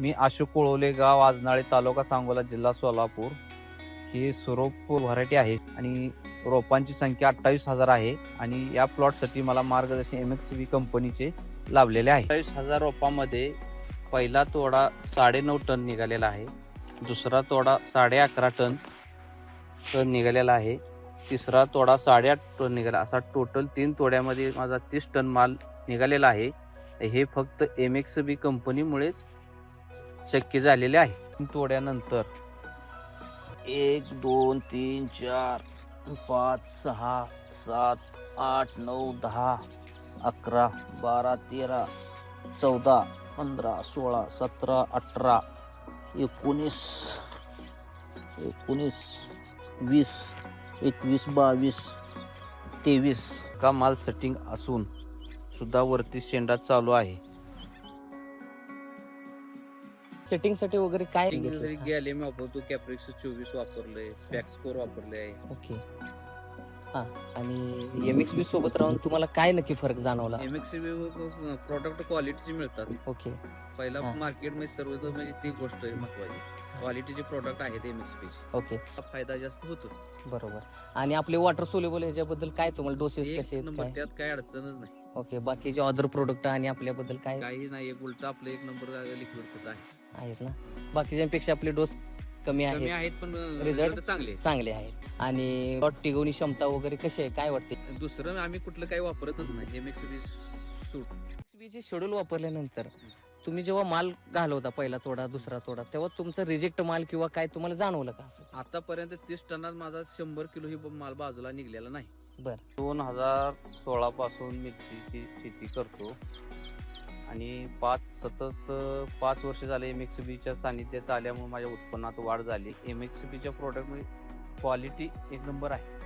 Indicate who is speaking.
Speaker 1: मी अशोक कोळवले, गाव आजनाळे, तालुका सांगोला, जिल्हा सोलापूर. ही स्वरूप व्हरायटी आहे आणि रोपांची संख्या 28,000 आहे आणि या प्लॉटसाठी मला मार्गदर्शन MXV कंपनीचे लाभलेले आहे. 28,000 रोपांमध्ये पहिला तोडा 9.5 टन निघालेला आहे, दुसरा तोडा 11.5 टन निघालेला आहे, तिसरा तोडा 8.5 टन निघाला, असा टोटल 3 तोड्यामध्ये माझा 30 टन माल निघालेला आहे. हे फक्त MXV कंपनीमुळेच शक्य झालेले आहे. तोड्यानंतर 1 2 3 4 5 6 7 8 9 10 11 12 13 14 15 16 17 18 19 20 21 22 23 का माल सेटिंग असून सुद्धा वरती शेंडा चालू आहे.
Speaker 2: सेटिंग साठी वगैरे काय
Speaker 1: गॅलियम वापरतो, कॅप्रिक्स 24 वापरलंय, स्पॅक्सकोर वापरलंय.
Speaker 2: ओके. हा, आणि MXV सोबत राहून तुम्हाला काय नक्की फरक जाणवला?
Speaker 1: MXV प्रोडक्ट क्वालिटीचे मिळतात.
Speaker 2: ओके.
Speaker 1: पहिला
Speaker 2: हा.
Speaker 1: मार्केटमध्ये सर्व म्हणजे ती गोष्ट आहे महत्वाची, क्वालिटीचे प्रोडक्ट आहेत MXV.
Speaker 2: ओके,
Speaker 1: फायदा जास्त होतो.
Speaker 2: बरोबर. आणि आपले वॉटर सोल्युबल ह्याच्याबद्दल काय तुम्हाला डोसेस कसे
Speaker 1: एक
Speaker 2: आहेत
Speaker 1: नंबर,
Speaker 2: काय?
Speaker 1: त्यात काही अडचणच नाही.
Speaker 2: ओके, बाकीचे अदर प्रोडक्ट आणि आपल्याबद्दल काय
Speaker 1: काही नाही, एक उलट आपलं एक नंबर लिक्विड खत आहे.
Speaker 2: आहेत ना? बाकीच्यांपेक्षा आपले डोस कमी
Speaker 1: कमी
Speaker 2: आहेत,
Speaker 1: आहेत पण
Speaker 2: Result
Speaker 1: रिझल्ट चांगले.
Speaker 2: चांगले आहेत. आणि प्लॉट टिकवणी क्षमता वगैरे कशी आहे काय वाटते?
Speaker 1: दुसरं आम्ही कुठलं काही वापरतच नाही. MXV suit.
Speaker 2: MXV चे शेड्यूल वापरल्यानंतर तुम्ही जेव्हा माल घालवता, पहिला तोडा दुसरा तोडा, तेव्हा तुमचं रिजेक्ट माल किंवा काय तुम्हाला जाणवलं का असं?
Speaker 1: आतापर्यंत 30 टनात माझा 100 किलो ही माल बाजूला निघलेला नाही.
Speaker 2: बर.
Speaker 1: 2016 पासून मिरचीची शेती करतो आणि 5 वर्ष झाले MXVच्या सानिध्यात आल्यामुळे माझ्या उत्पन्नात वाढ झाली. MXVच्या प्रोडक्टमध्ये क्वालिटी एक नंबर आहे.